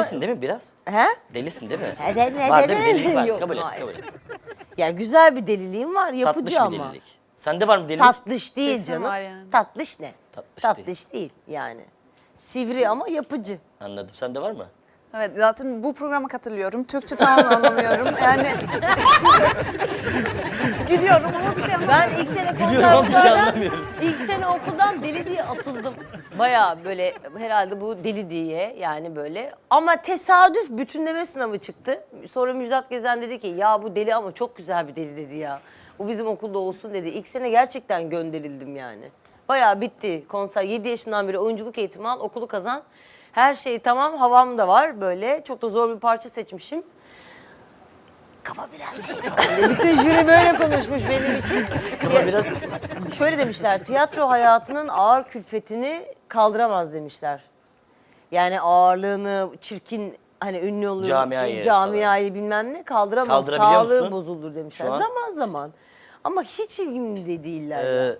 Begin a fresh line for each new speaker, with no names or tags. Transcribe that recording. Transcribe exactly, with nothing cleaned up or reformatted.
Delisin değil mi biraz?
He?
Delisin değil mi?
He, de- ne-
Var
de-
değil mi?
de-
Delilik var.
Yok,
kabul et,
hayır.
kabul et.
Ya güzel bir deliliğim var, yapıcı
Tatlış bir
ama.
delilik. Sende var mı delilik?
Tatlış değil
Kesin
canım.
var yani.
Tatlış ne?
Tatlış
Tatlış değil. yani. Sivri ama yapıcı.
Anladım. Sende var mı?
Evet zaten bu programa katılıyorum. Türkçe tamamen anlamıyorum. Yani gülüyorum ama bir şey anlamıyorum.
Ben ilk sene
Gülüyorum ama bir şey
konservatuvardan,
anlamıyorum.
ilk sene okuldan deli diye atıldım. Bayağı böyle herhalde bu deli diye yani böyle. Ama tesadüf bütünleme sınavı çıktı. Sonra Müjdat Gezen dedi ki ya bu deli ama çok güzel bir deli dedi ya. Bu bizim okulda olsun dedi. İlk sene gerçekten gönderildim yani. Bayağı bitti konser. yedi yaşından beri oyunculuk eğitimi al, okulu kazan. Her şey tamam, havam da var böyle. Çok da zor bir parça seçmişim. Kafa biraz şey falan diye. Bütün jüri böyle konuşmuş benim için.
Kafa biraz...
Şöyle demişler, tiyatro hayatının ağır külfetini kaldıramaz demişler. Yani ağırlığını, çirkin hani ünlü olur,
Camiayı
ca- camiayı bilmem ne kaldıramaz.
Kaldırabiliyor
Sağlığı
musun
bozulur demişler.
şu an?
Zaman zaman. Ama hiç ilgimde değiller. ya.
Ee,